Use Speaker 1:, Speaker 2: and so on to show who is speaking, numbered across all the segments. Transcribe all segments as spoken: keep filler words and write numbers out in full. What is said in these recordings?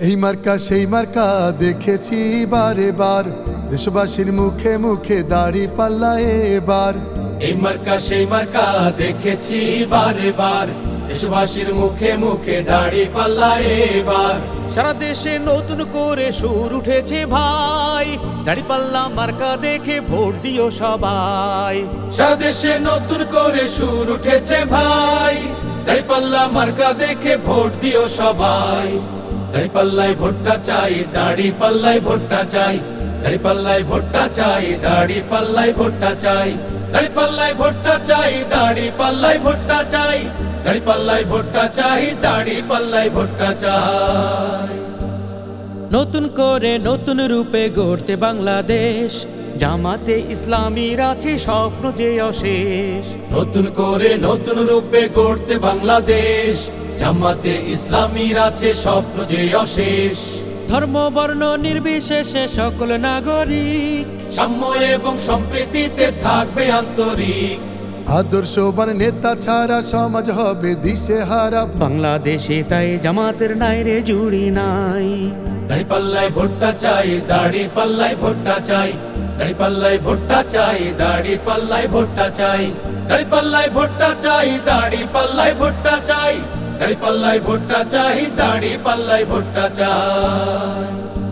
Speaker 1: এই মার্কা সেই মার্কা দেখেছি বারে বার, দেশবাসীর মুখে মুখে দাড়ি পাল্লা এবার।
Speaker 2: এই মার্কা সেই মার্কা দেখেছি বারে বার, দেশবাসীর মুখে মুখে দাড়ি পাল্লা এবার।
Speaker 3: সারা দেশে নতুন করে সুর উঠেছে ভাই, দাড়ি পাল্লা মার্কা দেখে ভোট দিও সবাই।
Speaker 2: সারা দেশে নতুন করে সুর উঠেছে ভাই, দাড়ি পাল্লা মার্কা দেখে ভোট দিও সবাই। দাড়ি পাল্লায় ভোটটা চাই, দাড়ি পাল্লায় ভোটটা চাই, দাড়ি পাল্লায় ভোটটা চাই, দাড়ি পাল্লায় ভোটটা চাই, দাড়ি পাল্লায় ভোটটা চাই, দাড়ি পাল্লায় ভোটটা চাই, দাড়ি পাল্লায় ভোটটা চাই, দাড়ি পাল্লায় ভোটটা চাই।
Speaker 3: নতুন করে নতুন রূপে গড়তে বাংলাদেশ, জামাতে ইসলামীর আছে স্বপ্ন যে অশেষ।
Speaker 2: নতুন করে নতুন রূপে গড়তে বাংলাদেশ, জামাতে ইসলামীর আছে স্বপ্ন যে অশেষ।
Speaker 3: ধর্ম বর্ণ নির্বিশেষে সকল নাগরিক
Speaker 2: সাম্য এবং সম্প্রীতিতে থাকবে আন্তরিক।
Speaker 1: আদর্শবান নেতা ছাড়া সমাজ হবে দিশেহারা।
Speaker 3: বাংলাদেশে তাই জামাতের নাই রে জুড়ি নাই।
Speaker 2: দাড়ি পাল্লায় ভোটটা চাই, দাড়ি পাল্লায় ভোটটা চাই, দাড়ি পাল্লায় ভোটটা চাই, দাড়ি পাল্লায় ভোটটা চাই, দাড়ি পাল্লায় ভোটটা চাই, দাড়ি পাল্লায় ভোটটা চাই, দাড়ি পাল্লায় ভোটটা চাই, দাড়ি পাল্লায় ভোটটা চাই।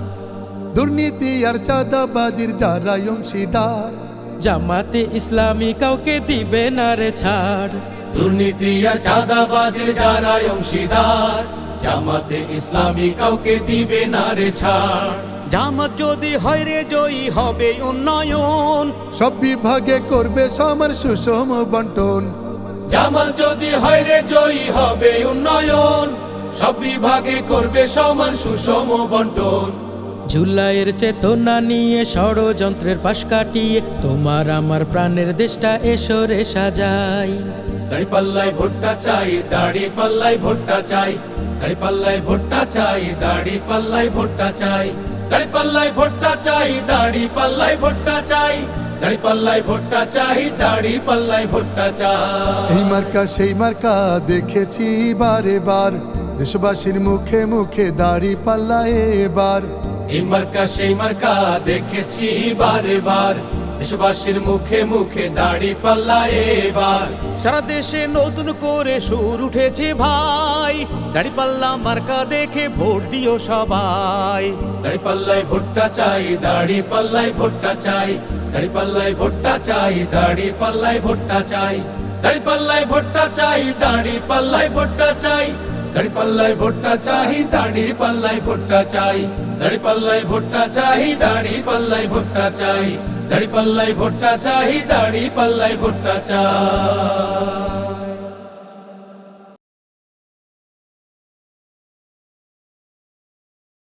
Speaker 1: দুর্নীতি আর চাঁদাবাজির যারা অংশীদার,
Speaker 3: জামাতে ইসলামী কাউকে দিবে না রে ছাড়।
Speaker 2: দুর্নীতি আর চাঁদাবাজির যারা অংশীদার, জামাতে ইসলামী কাউকে দিবে না রে ছাড়।
Speaker 3: জামাত যদি হয় রে জয়ী হবে উন্নয়ন,
Speaker 1: সব বিভাগে করবে সমান সুষম বন্টন।
Speaker 2: জামাত যদি হয় রে জয়ী হবে উন্নয়ন, সব বিভাগে করবে সমান সুষম বন্টন।
Speaker 3: জুলাইয়ের চেতনা নিয়ে ষড়যন্ত্রের পাশ কাটিয়ে তোমার আমার প্রাণের দেশটা এসো রে সাজাই।
Speaker 2: দাড়ি পাল্লায় ভোটটা চাই, দাড়ি পাল্লায় ভোটটা চাই, দাড়ি পাল্লায় ভোটটা চাই, দাড়ি পাল্লায় ভোটটা চাই, দাড়ি পাল্লায় ভোটটা চাই, দাড়ি পাল্লায় ভোটটা চাই, দাড়ি পাল্লায় ভোটটা চাই, দাড়ি পাল্লায় ভোটটা চাই।
Speaker 1: এই মার্কা সেই মার্কা দেখেছি বারে বার, দেশবাসীর মুখে মুখে দাড়ি পাল্লা এবার।
Speaker 2: এই মার্কা সেই মার্কা দেখেছি বারে বার, দেশবাসীর মুখে মুখে দাড়ি পাল্লা এবার।
Speaker 3: সারা দেশে নতুন করে সুর উঠেছে ভাই, দাড়ি পাল্লা মার্কা দেখে ভোট দিও সবাই।
Speaker 2: দাড়ি পাল্লায় ভোটটা চাই, দাড়ি পাল্লায় ভোটটা চাই, দাড়ি পাল্লায় ভোটটা চাই, দাড়ি পাল্লায় ভোটটা চাই, দাড়ি পাল্লায় ভোটটা চাই, দাড়ি পাল্লায় ভোটটা চাই, দাড়ি পাল্লায় ভোটটা চাই, দাড়ি পাল্লায় ভোটটা চাই, দাড়ি পাল্লায় ভোটটা চাই, দাড়ি পাল্লায় ভোটটা চাই, দাড়ি পাল্লায় ভোটটা চাই, দাড়ি পাল্লায় ভোটটা চাই।